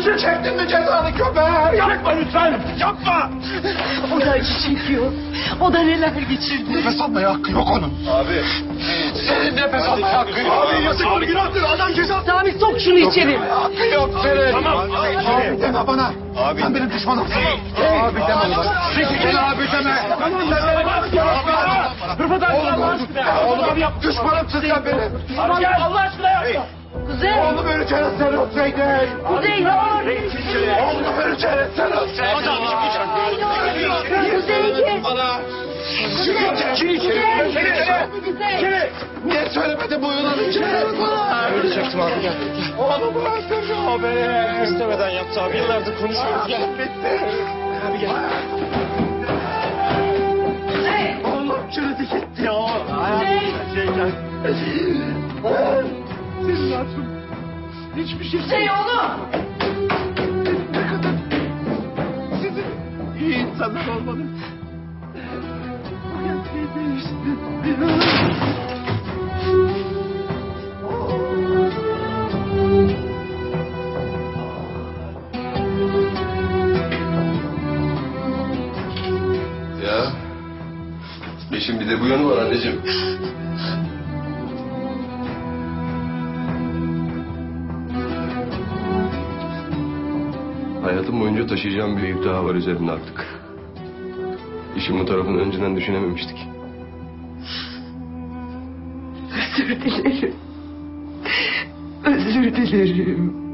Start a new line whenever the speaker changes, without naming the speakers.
Çektin mi cezanı köpek? Yapma lütfen. Yapma.
O da acı çekiyor. O da neler geçirdi.
Nefes almaya hakkı yok onun.
Abi.
Senin nefes almaya hakkı yok.
Abi yazıktır günahtır adam ceza.
Sami sok şunu içeri.
Hakkı yok senin.
Tamam.
Abi deme bana.
Abi.
Sen benim düşmanımsın. Abi deme bana. Sen abi deme.
Tamam ben Rıfat abi Allah aşkına.
Oğlum yap. Düşmanımsın sen benim.
Abi gel Allah aşkına yapma.
Kuzey.
Oğlum öleceğini sen ötseydin.
Kuzey ne olur.
Oğlum öleceğini sen ötseydin.
Kuzey gir.
Bana. Niye söylemedin bu yılan içine?
Ölecektim abi gel.
Oğlum öldürüyor beni.
İstemeden yaptı abi yıllardır konuşuyoruz gel.
Bitti.
Abi gel.
Oğlum çürüdü gitti ya. Senin hatun. Hiçbir şey
Kuzey oğlum.
ne kadar sizin iyi insanlar olmanız. Bu gerçeği değişti.
Ya. İşin bir de bu yanı var anneciğim. Hayatım boyunca taşıyacağım bir yük daha var üzerimde artık. İşin bu tarafını önceden düşünememiştik.
Özür dilerim. Özür dilerim.